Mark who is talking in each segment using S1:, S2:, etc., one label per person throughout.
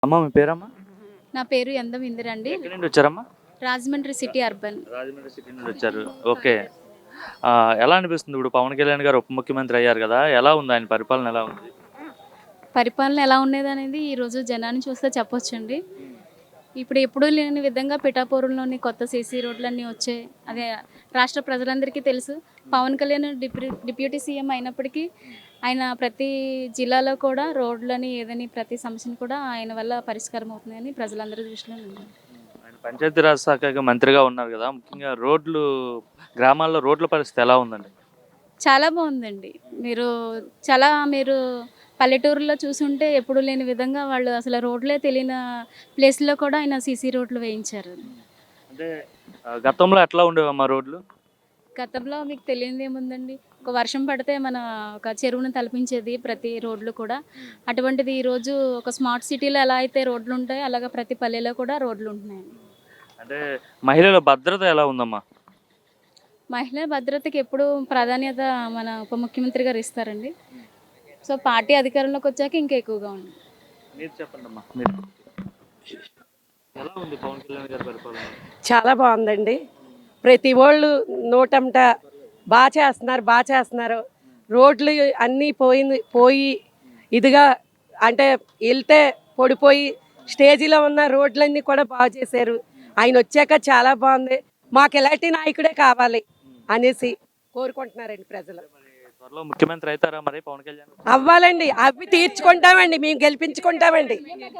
S1: అమ్మ మీ పేరమ్మా?
S2: నా పేరు యందం ఇందిరండి.
S1: ఎక్కడి నుండి వచ్చారమ్మా?
S2: Rajahmundry city urban.
S1: Rajahmundry city నుండి వచ్చారు. ఓకే. ఎలా అనిపిస్తుంది ఇప్పుడు పవన్ కళ్యాణ్ గారు ఉప ముఖ్యమంత్రి అయ్యారు కదా! ఎలా ఉంది ఆయన పరిపాలన ఎలా ఉంది?
S2: పరిపాలన ఎలా ఉండేదనేది ఈరోజు జనాన్ని చూస్తే చెప్పొచ్చండి. ఇప్పుడు ఎప్పుడూ లేని విధంగా పిఠాపురంలోని కొత్త సీసీ రోడ్లన్నీ వచ్చాయి. అదే రాష్ట్ర ప్రజలందరికీ తెలుసు. పవన్ కళ్యాణ్ డిప్యూటీ సీఎం అయినప్పటికీ ఆయన ప్రతి జిల్లాలో కూడా రోడ్లని ఏదని ప్రతి సమస్యను కూడా ఆయన వల్ల పరిష్కారం అవుతుందని ప్రజలందరి దృష్టిలో ఉంది.
S1: ఆయన పంచాయతీరాజ్ శాఖ మంత్రిగా ఉన్నారు కదా! ముఖ్యంగా గ్రామాల్లో రోడ్ల పరిస్థితి ఎలా ఉందండి?
S2: చాలా బాగుందండి. మీరు పల్లెటూరులో చూసుంటే ఎప్పుడు లేని విధంగా వాళ్ళు అసలు రోడ్లే తెలియని ప్లేస్‌లో కూడా ఆయన సీసీ రోడ్లు వేయించారు.
S1: అంటే గతంలో ఎట్లా ఉండేవమ్మా రోడ్లు?
S2: గతంలో మీకు తెలియనిదేముందండి. ఒక వర్షం పడితే ఒక చెరువును తలపించేది ప్రతి రోడ్లు కూడా. అటువంటిది ఈరోజు ఒక స్మార్ట్ సిటీలో ఎలా అయితే రోడ్లుంటాయో అలాగా ప్రతి పల్లెలో కూడా రోడ్లుంటున్నాయండి.
S1: అంటే మహిళల భద్రత ఎలా ఉందమ్మా?
S2: మహిళా భద్రతకి ఎప్పుడూ ప్రాధాన్యత మన ఉప ముఖ్యమంత్రి గారు ఇస్తారండి. సో, పార్టీ అధికారంలోకి వచ్చాక ఇంకా ఎక్కువగా ఉంది.
S1: మీరు చెప్పండమ్మా మీరు. ఎలా ఉంది పవన్ కళ్యాణ్ గారి పరిపాలన?
S3: చాలా బాగుందండి. ప్రతి ఓళ్ళు నోటంట బాగా చేస్తున్నారు. రోడ్లు అన్నీ పోయి ఇదిగా అంటే వెళ్తే పొడిపోయి స్టేజీలో ఉన్న రోడ్లన్నీ కూడా బాగు చేశారు. ఆయన వచ్చాక చాలా బాగుంది. మాకు ఎలాంటి నాయకుడే కావాలి అనేసి కోరుకుంటున్నారండి ప్రజలు.
S1: మరి త్వరలో ముఖ్యమంత్రి అవుతారా మరి పవన్ కళ్యాణ్?
S3: అవ్వాలండి. అవి తీర్చుకుంటామండి. మేము గెలిపించుకుంటామండి.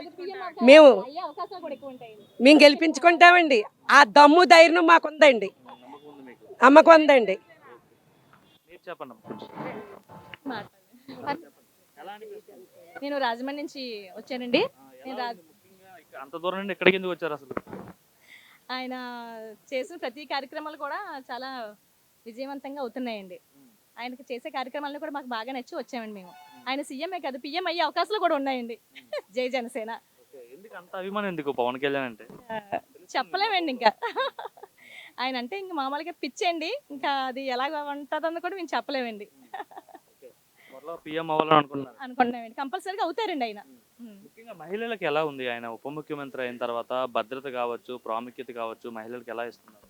S3: మేము గెలిపించుకుంటామండి. ఆ దమ్ము ధైర్యం మాకుందండి.
S1: నమ్మకం ఉంది మీకు?
S3: నమ్మకం ఉందండి.
S1: మీరు చెప్పండమ్మా కొంచెం. ఎలా అనిపిస్తుంది?
S4: నేను రాజమండ్రి నుంచి వచ్చానండి.
S1: ఎలా ఉంది? ముఖ్యంగా అంత దూరం నుండి ఎక్కడికి ఎందుకు వచ్చారు అసలు?
S4: ఆయన చేసిన ప్రతి కార్యక్రమాలు కూడా చాలా విజయవంతంగా అవుతున్నాయండి. ఆయనకి చేసే కార్యక్రమాలను కూడా మాకు బాగా నచ్చి వచ్చామండి మేము. ఆయన సీఎంఏ కాదు, పిఎం అయ్యే అవకాశాలు కూడా ఉన్నాయండి. జై జనసేన.
S1: ఎందుకు అంత అభిమానం ఎందుకు పవన్ కళ్యాణ్ అంటే?
S4: చెప్పలేమండి ఇంకా. ఆయన అంటే ఇంక మామూలుగా పిచ్చండి. ఇంకా అది ఎలాగ ఉంటుందని కూడా మేము చెప్పలేమండి.
S1: త్వరలో పిఎం అవ్వాలని అనుకుంటున్నారు?
S4: అనుకుంటున్నామండి. కంపల్సరీగా అవుతారండి ఆయన.
S1: ముఖ్యంగా మహిళలకు ఎలా ఉంది ఆయన ఉప ముఖ్యమంత్రి అయిన తర్వాత? భద్రత కావచ్చు, ప్రాముఖ్యత కావచ్చు, మహిళలకు ఎలా ఇస్తున్నారు?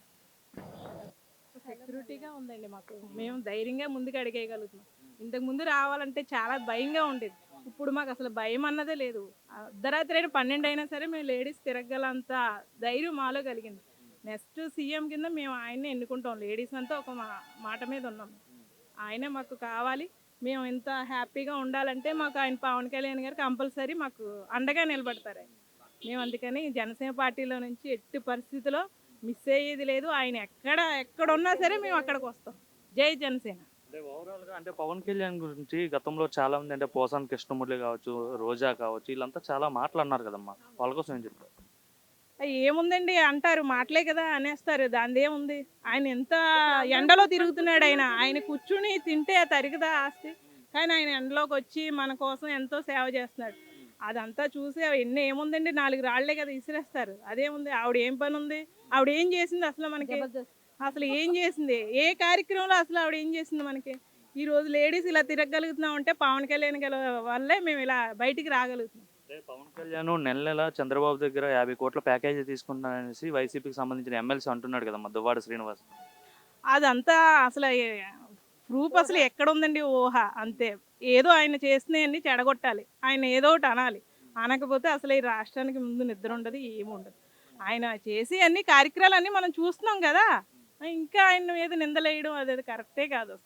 S5: సెక్యూరిటీగా ఉందండి మాకు. మేము ధైర్యంగా ముందుకు అడిగేయగలుగుతున్నాం. ఇంతకు ముందు రావాలంటే చాలా భయంగా ఉండేది. ఇప్పుడు మాకు అసలు భయం అన్నదే లేదు. అర్ధరాత్రి అయినా 12 అయినా సరే మేము లేడీస్ తిరగలంత ధైర్యం మాలో కలిగింది. నెక్స్ట్ సీఎం కింద మేము ఆయన్నే ఎన్నుకుంటాం. లేడీస్ అంతా ఒక మాట మీద ఉన్నాం. ఆయనే మాకు కావాలి. మేము ఇంత హ్యాపీగా ఉండాలంటే మాకు ఆయన పవన్ కళ్యాణ్ గారు కంపల్సరీ మాకు అండగా నిలబడతారు. మేము అందుకని జనసేన పార్టీలో నుంచి ఎట్టి పరిస్థితిలో మిస్ అయ్యేది లేదు. ఆయన ఎక్కడున్నా సరే మేము అక్కడికి వస్తాం. జై జనసేన.
S1: అంటే ఓవరాల్గా అంటే పవన్ కళ్యాణ్ గురించి గతంలో చాలా మంది అంటే పోసాని కృష్ణమురళి కావచ్చు, రోజా కావచ్చు, వీళ్ళంతా చాలా మాటలు అన్నారు కదమ్మా, వాళ్ళ కోసం ఏం చెప్తారు?
S5: ఏముందండి అంటారు, మాటలే కదా అనేస్తారు. దానిదేముంది? ఆయన ఎంత ఎండలో తిరుగుతున్నాడు. ఆయన కూర్చుని తింటే తరిగదా ఆస్తి. కానీ ఆయన ఎండలోకి వచ్చి మన కోసం ఎంతో సేవ చేస్తున్నాడు. అదంతా చూసి ఎన్ని ఏముందండి, 4 రాళ్లే కదా ఇసిరేస్తారు. అదేముంది? ఆవిడ ఏం పని ఉంది? ఆవిడ ఏం చేసింది అసలు మనకి? అసలు ఏం చేసింది? ఏ కార్యక్రమంలో అసలు ఆవిడ ఏం చేసింది మనకి? ఈ రోజు లేడీస్ ఇలా తిరగలుగుతున్నాం అంటే పవన్ కళ్యాణ్ వల్లే మేము ఇలా బయటికి రాగలుగుతున్నాం.
S1: పవన్ కళ్యాణ్ నెల చంద్రబాబు దగ్గర 50 కోట్ల ప్యాకేజీ తీసుకుంటున్నారనేసి వైసీపీకి సంబంధించిన ఎమ్మెల్సీ అంటున్నాడు కదమ్మా, దువ్వాడ శ్రీనివాస్.
S5: అదంతా అసలు ప్రూఫ్ అసలు ఎక్కడ ఉందండి? ఊహ అంతే. ఏదో ఆయన చేసినవన్నీ చెడగొట్టాలి. ఆయన ఏదో ఒకటి అనాలి. అనకపోతే అసలు ఈ రాష్ట్రానికి ముందు నిద్ర ఉండదు, ఏముండదు. ఆయన చేసి అన్ని కార్యక్రమాలన్నీ మనం చూస్తున్నాం కదా. ఇంకా ఆయన మీద నిందలేయడం అదేది కరెక్టే కాదు.